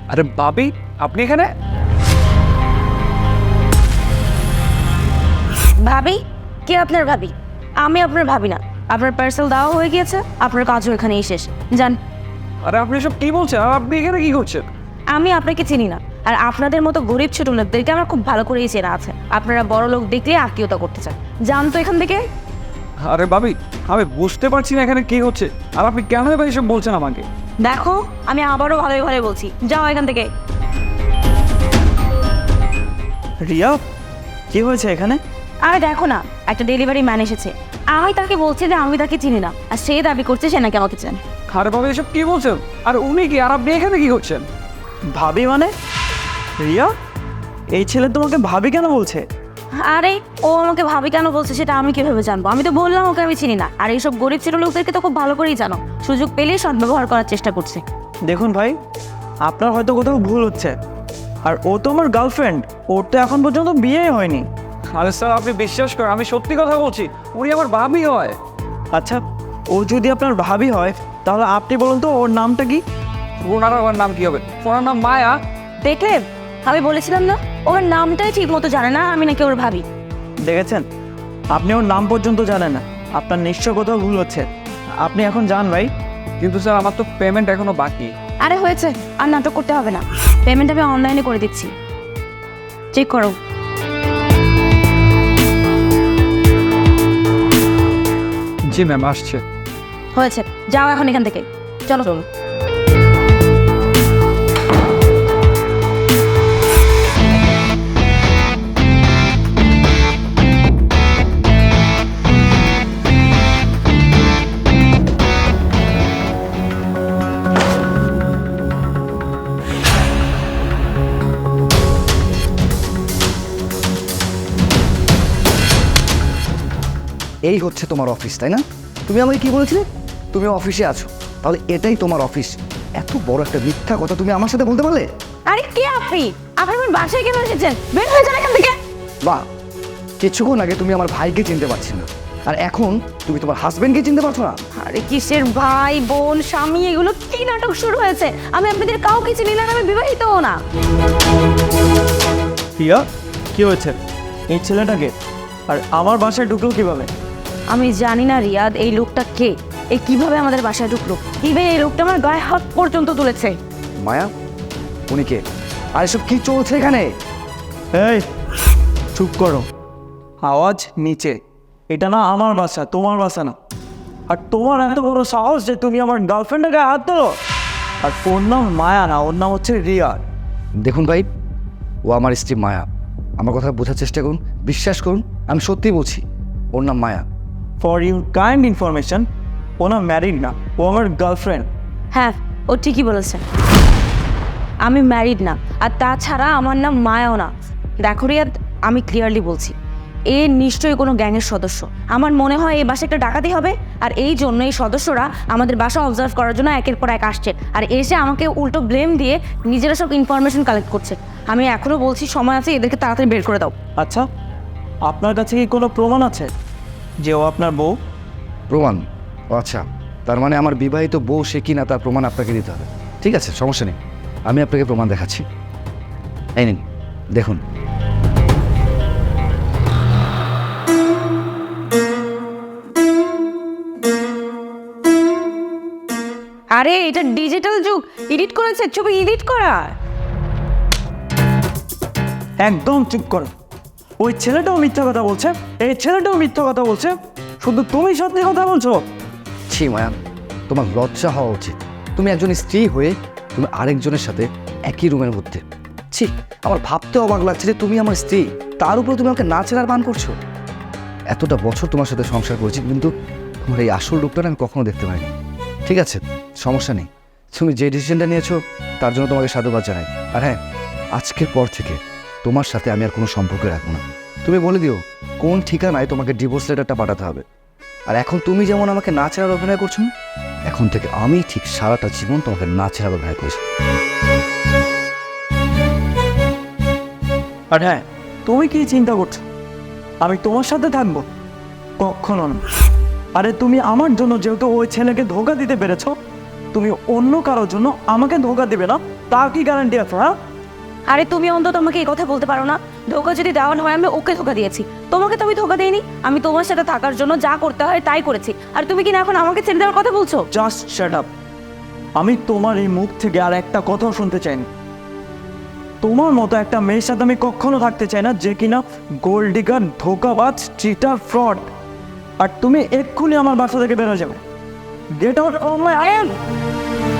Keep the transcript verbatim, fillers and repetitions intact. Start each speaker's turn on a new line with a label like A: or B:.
A: আরে ভাবি, আপনি এখানে?
B: ভাবি? কে আপনার ভাবি? আমি আপনার ভাবি না। আপনার পার্সেল দেওয়া হয়ে গিয়েছে, আপনার কাজও এখানেই শেষ। যান।
A: আরে আপনি সব কি বলছেন? আর আপনি এখানে কি করছেন?
B: আমি আপনাকে চিনি না, আর আপনাদের মতো গরিব ছোট লোকদেরকে আমার খুব ভালো করেই চেনা আছে। আপনারা বড় লোক দেখলে আত্মীয়তা করতে চান। যান তো এখান থেকে।
A: আরে ভাবি, আমি বুঝতে পারছি না এখানে কি হচ্ছে, আর আপনি কেন এবার এসব বলছেন আমাকে?
B: দেখো, আমি আবারও ভালোই ভালো বলছি, যাও এখান থেকে।
C: রিয়া, কি হয়েছে এখানে?
B: আরে দেখো না, একটা ডেলিভারি ম্যান এসেছে। আমি তাকে বলছি যে আমি তাকে চিনি না, আর সে দাবি করছে সে নাকি আমাকে চেনে।
A: আরে ভাবি, এসব কি বলছেন? আর উনি কি, আর আপনি এখানে কি করছেন?
C: ভাবি মানে? রিয়া, এই ছেলে তোমাকে ভাবি কেন বলছে?
B: আরে ও আমাকে ভাবি কেন বলছে সেটা আমি কিভাবে জানবো? আমি তো বললাম ওকে আমি চিনি না। আর এইসব গরিব ছোট লোকদেরকে তো খুব ভালো করেই জানো, সুযোগ পেলেই সদ্ব্যবহার করার চেষ্টা করছে।
C: দেখুন ভাই, আপনার হয়তো কোথাও ভুল হচ্ছে। আর ও তো আমার গার্লফ্রেন্ড, ওর তো এখন পর্যন্ত বিয়েই হয়নি।
A: আরে স্যার, আপনি বিশ্বাস করেন, আমি সত্যি কথা বলছি, উনি আমার ভাবি হয়।
C: আচ্ছা, ও যদি আপনার ভাবি হয় তাহলে আপনি বলুন তো ওর নামটা কি?
A: ওনার আমার নাম কি হবে? ওনার নাম মায়া।
B: দেখলে, আমি বলেছিলাম না ওর নামটাই ঠিক মতো জানে না, আমি নাকি ওর ভাবি।
C: দেখেছেন, আপনি ওর নাম পর্যন্ত জানেন না। আপনার নিশ্চয় কোথাও ভুল হচ্ছে। আপনি এখন যান ভাই।
A: কিন্তু স্যার, আমার তো পেমেন্ট এখনো বাকি।
B: আরে হয়েছে, আর নাটক করতে হবে না। পেমেন্ট আমি অনলাইনে করে দিচ্ছি, চেক করো।
A: জি ম্যাম, আসছে।
B: হয়েছে, যাও এখন এখান থেকে। চলো চলো।
D: এই হচ্ছে তোমার অফিস, তাই না? তুমি আমাকে কি বলেছিলে? তুমি অফিসে আছো, তাহলে এটাই তোমার অফিস। এত বড় একটা মিথ্যা কথা তুমি আমার সাথে বলতে পারলে?
B: আরে কে আপনি? আপনি আমার বাসায় কেন এসেছেন? বের হয়ে যান এখান থেকে।
D: বাহ, কিছুক্ষণ আগে তুমি আমার ভাইকে চিনতে পারছি না, আর এখন তুমি তোমার হাজবেন্ডকে চিনতে পারছো না?
B: আরে কিসের ভাই বোন স্বামী, এগুলো কি নাটক শুরু হয়েছে? আমি আপনাদের কাউকে চিনি না, আমি বিবাহিতও না।
C: রিয়া, কি হয়েছে? এই ছেলেটাকে আর আমার বাসায় ঢুকলো কিভাবে?
B: আমি জানি না রিয়াদ, এই লোকটা কে, এই কিভাবে আমাদের বাসায় ঢুকলো। ইভেন এই লোকটা আমার গায়ে হাত পর্যন্ত তুলেছে।
D: মায়া, উনি কে? আর এসব কি চলছে এখানে?
C: এই চুপ করো, আওয়াজ নিচে। এটা না আমার বাসা, তোমার বাসা না। আর তোমার এত বড় সাহস যে তুমি আমার গার্লফ্রেন্ডের গায়ে হাত তোলো? আর ওর নাম মায়া না, ওর নাম হচ্ছে রিয়া।
D: দেখুন ভাই, ও আমার স্ত্রী মায়া। আমার কথা বোঝার চেষ্টা করুন, বিশ্বাস করুন, আমি সত্যিই বলছি, ওর নাম Maya.
C: For your kind information, ও না ম্যারিড না, ও আমার গার্লফ্রেন্ড।
B: হ্যাঁ, ও ঠিকই বলেছে, আমি ম্যারিড না। আর তাছাড়া আমার নাম মায়াও না। দেখো রিয়াদ, আমি ক্লিয়ারলি বলছি, এ নিশ্চয়ই কোনো গ্যাংয়ের সদস্য। আমার মনে হয় এই বাসা একটা ডাকাতি হবে, আর এই জন্য এই সদস্যরা আমাদের বাসা অবজার্ভ করার জন্য একের পর এক আসছে, আর এসে আমাকে উল্টো ব্লেম দিয়ে নিজেরা সব ইনফরমেশন কালেক্ট করছে। আমি এখনও বলছি, সময় আছে, এদেরকে তাড়াতাড়ি বের করে দাও।
C: আচ্ছা, আপনার কাছে কি কোনো প্রমাণ আছে যে ও আপনার বউ?
D: প্রমাণ? ও আচ্ছা, তার মানে আমার বিবাহিত বউ সে কি না তার প্রমাণ আপনাকে দিতে হবে। ঠিক আছে, সমস্যা নেই, আমি আপনাকে প্রমাণ দেখাচ্ছি। এই নিন, দেখুন।
B: আরে এটা ডিজিটাল যুগ, এডিট করেছে, ছবি এডিট করা।
C: একদম চুপ করো। ওই ছেলেটাও মিথ্যা কথা বলছে, এই ছেলেটাও মিথ্যা কথা বলছে, শুধু তুমি সত্যি কথা বলছো।
D: ছি মায়া, তোমার লজ্জা হওয়া উচিত। তুমি একজন স্ত্রী হয়ে তুমি আরেকজনের সাথে একই রুমের মধ্যে। ছি, আমার ভাবতে অবাক লাগছে যে তুমি আমার স্ত্রী, তার উপরে তুমি আমাকে না চেনার বান করছো। এতটা বছর তোমার সাথে সংসার করেছি, কিন্তু তোমার এই আসল রূপটা না আমি কখনো দেখতে পাইনি। ঠিক আছে, সমস্যা নেই, তুমি যে ডিসিশনটা নিয়েছো তার জন্য তোমাকে সাধুবাদ জানাই। আর হ্যাঁ, আজকের পর থেকে তোমার সাথে আমি আর কোনো সম্পর্ক রাখবো না। তুমি বলে দিও কোন ঠিকানায় তোমাকে ডিভোর্স লেটারটা পাঠাতে হবে। আর এখন তুমি যেমন আমাকে না চেনার অভিনয় করছো না, এখন থেকে আমি ঠিক সারাটা জীবন তোমাকে না চেনার অভিনয় করছি।
C: আর হ্যাঁ, তুমি কি চিন্তা করছো আমি তোমার সাথে থাকবো? কখনো না। আরে তুমি আমার জন্য যেহেতু ওই ছেলেকে ধোকা দিতে পেরেছো, তুমি অন্য কারোর জন্য আমাকে ধোকা দিবে না? তার কি গ্যারান্টি আছে? হ্যাঁ,
B: আরে তুমি অন্তত আমাকে এই কথা বলতে পারো না, ধোকা যদি দেওয়ার হয় আমি ওকে ধোকা দিয়েছি, তোমাকে তো আমি ধোকা দিইনি। আমি তোমার সাথে থাকার জন্য যা করতে হয় তাই করেছি, আর তুমি কি না এখন আমাকে ছেড়ে দেওয়ার কথা বলছো?
C: Just shut up. আমি তোমার এই মুখ থেকে আর একটা কথাও শুনতে চাই না। তোমার মতো একটা মেয়ের সাথে আমি কখনো থাকতে চাই না যে কিনা গোল্ড ডিগার, ধোকাবাজ, চিটার, ফ্রড। আর তুমি এক্ষুনি আমার বাসা থেকে বেরো যাবে। Get out of my I